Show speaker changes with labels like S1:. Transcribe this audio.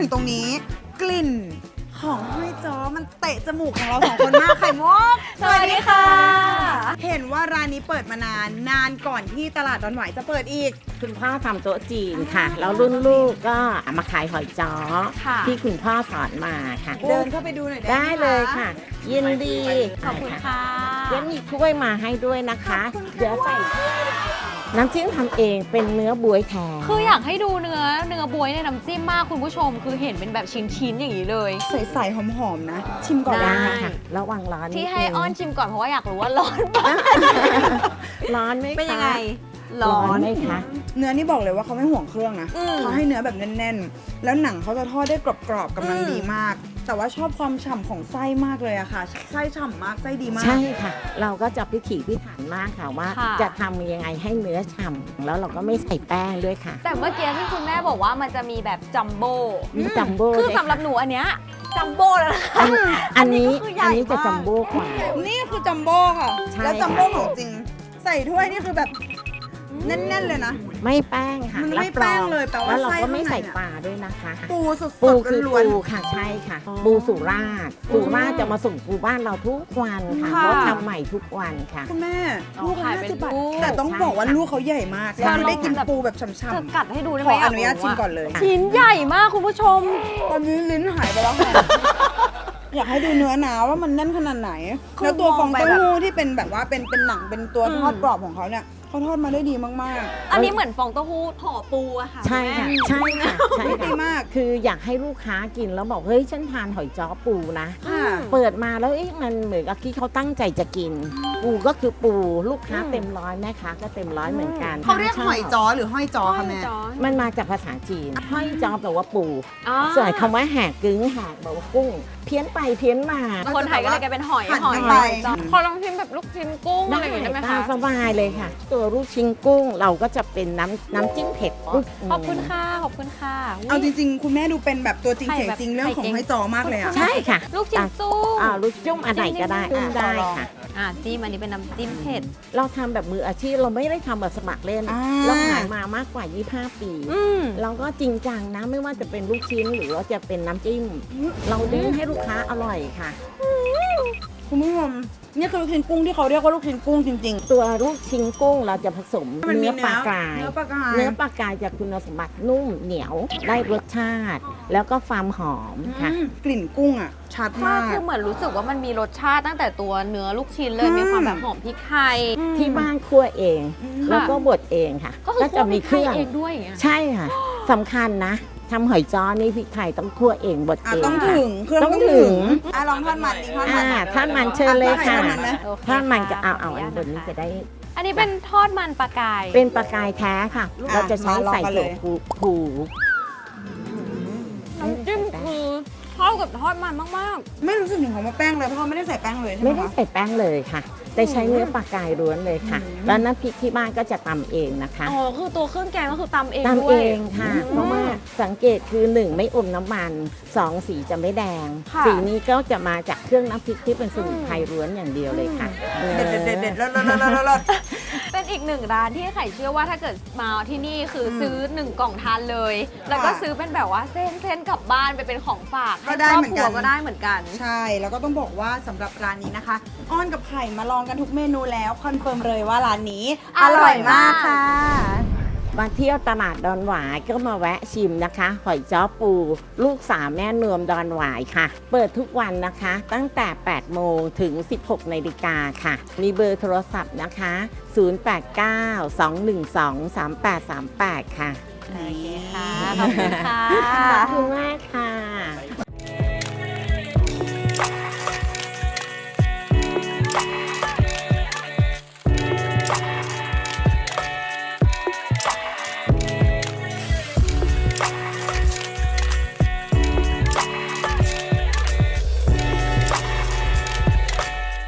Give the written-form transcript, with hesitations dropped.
S1: ตรงนี้กลิ่นของห้อยจ้อมันเตะจมูกของเราสองคนมากไข่มุก
S2: สวัสดีค่ะ
S1: เห็นว่าร้านนี้เปิดมานานก่อนที่ตลาดดอนหวายจะเปิดอีก
S3: คุณพ่อทำโต๊ะจีนค่ะ แล้วรุ่นลูกก็มาขายหอยจ้อ
S2: ค่ะ
S3: ที่คุณพ่อสอนมาค่ะ
S1: เดินเข้าไปดูหน่อย
S3: ได้
S1: ไหม
S3: เลยค่ะ ยินดี
S2: ขอบคุณค่ะ
S3: เดี๋ยวมีถ้วยมาให้ด้วยนะคะ เดี๋ยวใส่ถ้วยน้ำจิ้มทำเองเป็นเนื้อบวยแท้
S2: คืออยากให้ดูเนื้อบวยในน้ำจิ้มมากคุณผู้ชม คือเห็นเป็นแบบชิ้นๆอย่างนี้เลย
S1: ใส่ๆหอมๆนะ ชิมก่อน
S3: ได้
S1: นะ
S3: ค่ะระวังร้อนนิดนึง
S2: ที่ให้อ้อนชิมก่อนเพราะว่าอยากรู้ว่าร้อนปะ
S3: ร้อนไหมคะ
S2: เป็นยังไง
S3: ร้อนไหมคะ
S1: เนื้อนี่บอกเลยว่าเขาไม่ห่วงเครื่องนะ
S2: อืม
S1: เขาให้เนื้อแบบแน่นๆ แล้วหนังเขาจะทอดได้กรอบๆกำลังดีมาก แต่ว่าชอบความฉ่ำของไส้มากเลยอะค่ะ ไส้ฉ่ำมาก ไส้ดีมาก
S3: ใช่ค่ะ เราก็จะพิถีพิถันมากค่ะว่า
S2: ค่ะ
S3: จะทำยังไงให้เนื้อฉ่ำแล้วเราก็ไม่ใส่แป้งด้วยค่ะ
S2: แต่เมื่อกี้ที่คุณแม่บอกว่ามันจะมีแบบจัมโบ้
S3: มีจัมโบ้
S2: คือ
S3: ด้วย
S2: สำหรับหนูอันเนี้ยจัมโบ้แล้วนะ
S3: อันนี้
S2: อันนี้ก็คือใหญ่
S3: อันนี้จะ
S2: มาก
S3: จัมโบ้กว่า
S1: นี่คือจัมโบ้ค่ะ
S3: ใช่
S1: แล้วจัมโบ้ของจริง ใส่ถ้วยนี่คือแบบแน่นๆเลยนะ
S3: ไม่แป้งค่ะ
S1: มันไม่
S3: รับรอง
S1: แป้งเลยแปลว่า
S3: แล้วเราก็
S1: ไส้
S3: ไม่ใส่
S1: ข้างในอะ
S3: ปลาด้วยนะคะ
S1: ปูสด
S3: ปู
S1: ๆ
S3: คือ
S1: ล้วน
S3: ปูค่ะใช่ค่ะ ปูสุราษฎร์สุราษฎร์จะมาส่งปูบ้านเราทุกวันค่ะ
S2: ค่ะ
S3: เขาทำใหม่ทุกวันค่ะ
S1: ๆคุณแม่
S2: อ๋อ
S1: ลูก
S2: ขาย
S1: ละ
S2: เป็น
S1: 50 บาท
S2: ลูก
S1: แต่ต้องบอกว่าลูกเขาใหญ่มาก
S2: ใช่
S1: เราได้กิน
S2: ลองแบบ
S1: ปูแบบฉ่
S2: จะ
S1: ำ
S2: กัดให้ดูได้
S1: ๆ
S2: ไห
S1: ข
S2: ม
S1: ออนุญาตชิมก่อนเลย
S2: ชิ้นใหญ่มากคุณผู้ชม
S1: ตอนนี้ลิ้นหายไปแล้วค่ะ อยากให้ดูเนื้อหนาว่ามันแน่นขนาดไหน
S2: คือ
S1: แล้วตัวฟอง
S2: มองไป
S1: เต้า
S2: แบบ
S1: หู้ที่เป็นแบบว่าเป็นหนังเป็นตัว
S2: อืม
S1: ทอดกรอบของเขาเนี่ยเขาทอดมาได้ดีมาก
S2: อันนี้เหมือนฟองเต้าหู้ห่อปูอะค่ะ
S3: ใช่ค่ะ ใช่ค่ะใช่
S1: ๆดี
S3: ค่ะ
S1: มาก
S3: คืออยากให้ลูกค้ากินแล้วบอกเฮ้ยฉันทานหอยจ้อปูนะ
S1: ค่ะ
S3: เปิดมาแล้วมันเหมือนกับที่เขาตั้งใจจะกิน ปูก็คือปูลูกค้าเต็มร้อยแม่ค้าก็เต็มร้อยเหมือนกัน
S1: เขาเรียกหอยจ้อหรือห้อยจ้อค่ะแม่
S3: มันมาจากภาษาจีนห้อยจ้อแปลว่าปู
S2: อ๋อ
S3: ส่วนคำว่าแหกกึ้งแหกแปลว่ากุ้ง เพี้ยนไปเพี้ยนมา
S2: คนไทยก็เลยกลายเป็นหอย
S1: หั่น
S2: หอย
S1: ไป
S2: จ้ะขอลองชิมแบบลูกชิ้นกุ้งอะไรอย่างงี้ได้ไหม
S3: ตา
S2: คะ
S3: มสบายเลยค่ะ ตัวลูกชิ้นกุ้งเราก็จะเป็นน้ำจิ้มเผ็ด
S2: ขอบคุณค่ะ ขอบคุณค่ะอุ๊ย
S1: เอาจริงๆ คุณแม่ดูเป็นแบบตัวจริง
S2: ไข่
S1: เสียง
S2: แบบ
S1: จริงเรื่องของ
S2: ไข่เค็ม
S1: ห้อยจ้อมากเลยอะ
S3: ใช่ค่ะ
S2: ลูกชิ้นจุ้ง
S3: ลูกจุ้มอันไหนก็ได้
S2: จิ้
S3: จุ้
S2: ม
S3: ม
S2: ได้
S3: ได้ค่ะ
S2: จิ้มอันนี้เป็นน้ำจิ้มเผ็ด
S3: เราทำแบบมืออาชีพเราไม่ได้ทำแบบสมัครเล่น เราขายมามากกว่า 25 ปี
S2: อืม
S3: เราก็จริงจังนะไม่ว่าจะเป็นลูกชิ้นหรือว่าจะเป็นน้ำจิ้ม เราเน้นให้ลูกค้าอร่อยค่ะ
S1: คุณผู้ชมนี่คือลูกชิ้นกุ้งที่เขาเรียกว่าลูกชิ้นกุ้งจริง
S3: ตัวลูกชิ้นกุ้งเราจะผสม
S1: ๆ มันมี
S3: เนื้อปลากราย
S1: เนื้อปลากราย
S3: เนื้อปลากรายจากคุณสมบัตินุ่มเหนียวได้รสชาติ แล้วก็ความหอมค่ะ
S1: กลิ่นกุ้งอ่ะ ชัด
S2: ก็
S1: มาก
S2: คือเหมือนรู้สึกว่ามันมีรสชาติตั้งแต่ตัวเนื้อลูกชิ้นเลย
S1: อืม
S2: มีความแบบหอมพริกไทย
S3: ที่บ้านคั่วเอง แล้วก็บดเองค่ะ
S2: ก็คือ
S3: จะมีเครื่อง
S2: คั่วพริกไทยเองด้วยอย่างเงี้ย
S3: ใช่ค่ะสำคัญนะทำหอยจ้อนี่พริกไทยต้องคั่วเองบด
S1: อ่ะ
S3: เอง
S1: ต้อง
S3: ค่ะ
S1: ถึงเครื่อง
S3: ต้อง
S1: ต้อง
S3: ถึ
S1: ถึ
S3: ง
S1: งอ่ะลองทอดมันดิทอดมัน
S3: ท่านมันเชิญเลยค่ะ
S1: ทอดมันนะ
S2: โอเค
S3: ท่านมันก็
S2: ค่ะ
S3: เอา
S2: ขออนุญาต
S3: อันบนนี้
S2: นะคะ
S3: จะได้
S2: อันนี้เป็นทอดมันปลากาย
S3: เป็นปลากายแท้ค่ะ เราจะใช้
S1: มาลอง
S3: ใส่
S1: กันเล
S3: ถั่วย ผู
S2: น้ำจิ้มคือเข้ากับทอดมันมาก
S1: ไม่รู้สึกถึงของมะแป้งเลยเพราะว่าไม่ได้ใส่แป้งเลยใช่ไหม
S3: ไม่ได้
S1: คะ
S3: ใส่แป้งเลยค่ะ แต่ใช้เนื้อปลากายล้วนเลยค่ะ แล้วน้ำพริกที่บ้านก็จะตำเองนะคะ
S2: ๆ อ๋อ คือตัวเครื่องแกงก็คือตำเอง
S3: ตำ
S2: ด้ว
S3: เอย งค่ะ เพราะว่าสังเกตคือ 1 ไม่อมน้ำมัน 2 สีจะไม่แดง
S2: ค่ะ
S3: สีนี้ก็จะมาจากเครื่องน้ำพริกที่เป็นสมุนไพรล้วนอย่างเดียวเลยค่ะ
S1: เด็ดเด็ดเด็ดเด็ดเลิศเลิศเลิศเลิศเลิศ
S2: เป็นอีกหนึ่งร้านที่ไข่เชื่อว่าถ้าเกิดมาที่นี่คือซื้อ1 กล่องทานเลย แล้วก็ซื้อเป็นแบบว่าเส้นกลับบ้านไปเป็นของฝาก
S1: ก็ได้
S2: ครอบ
S1: เหมือน
S2: ครั
S1: กั
S2: วน ก็ได้เหมือนกัน
S1: ใช่ แล้วก็ต้องบอกว่าสำหรับร้านนี้นะคะ อ้อนกับไข่มาลองกันทุกเมนูแล้วคอนเฟิร์มเลยว่าร้านนี้
S2: อร่อยมาก
S1: ค่ะ
S3: มาเที่ยวตลาดดอนหวายก็มาแวะชิมนะคะ หอยจ้อปู ลูกสาวแม่นวมดอนหวายค่ะ เปิดทุกวันนะคะ ตั้งแต่ 8 โมงถึง 16 นาฬิกาค่ะ มีเบอร์โทรศัพท์นะคะ 089-212-3838 ค่ะ
S2: โอเคค่ะ ขอบคุณค่ะ
S3: ขอบคุณมากค่ะ